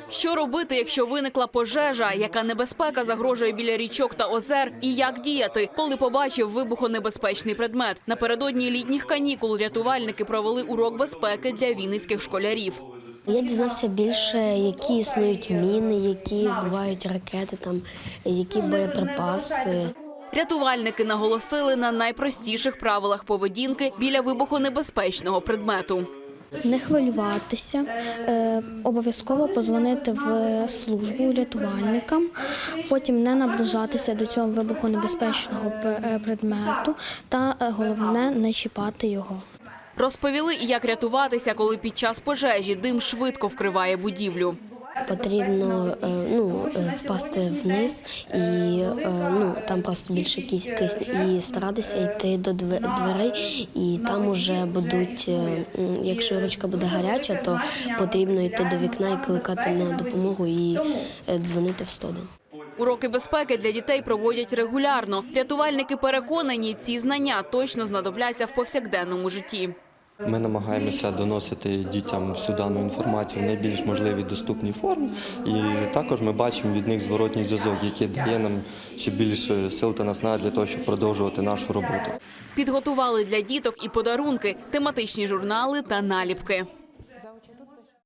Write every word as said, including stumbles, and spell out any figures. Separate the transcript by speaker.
Speaker 1: Що робити, якщо виникла пожежа? Яка небезпека загрожує біля річок та озер? І як діяти, коли побачив вибухонебезпечний предмет? Напередодні літніх канікул рятувальники провели урок безпеки для вінницьких школярів.
Speaker 2: Я дізнався більше, які існують міни, які бувають ракети, там, які боєприпаси.
Speaker 1: Рятувальники наголосили на найпростіших правилах поведінки біля вибухонебезпечного предмету.
Speaker 3: Не хвилюватися, е, обов'язково подзвонити в службу рятувальникам, потім не наближатися до цього вибухонебезпечного предмету та головне не чіпати його.
Speaker 1: Розповіли, як рятуватися, коли під час пожежі дим швидко вкриває будівлю.
Speaker 2: Потрібно ну, впасти вниз і ну, там просто більше кисню і старатися йти до дверей, і там уже будуть, якщо ручка буде гаряча, то потрібно йти до вікна і кликати на допомогу і дзвонити в сто один.
Speaker 1: Уроки безпеки для дітей проводять регулярно. Рятувальники переконані, ці знання точно знадобляться в повсякденному житті.
Speaker 4: Ми намагаємося доносити дітям всю дану інформацію в найбільш можливій доступній формі. І також ми бачимо від них зворотній зв'язок, який дає нам ще більше сил та наснаги для того, щоб продовжувати нашу роботу.
Speaker 1: Підготували для діток і подарунки, тематичні журнали та наліпки.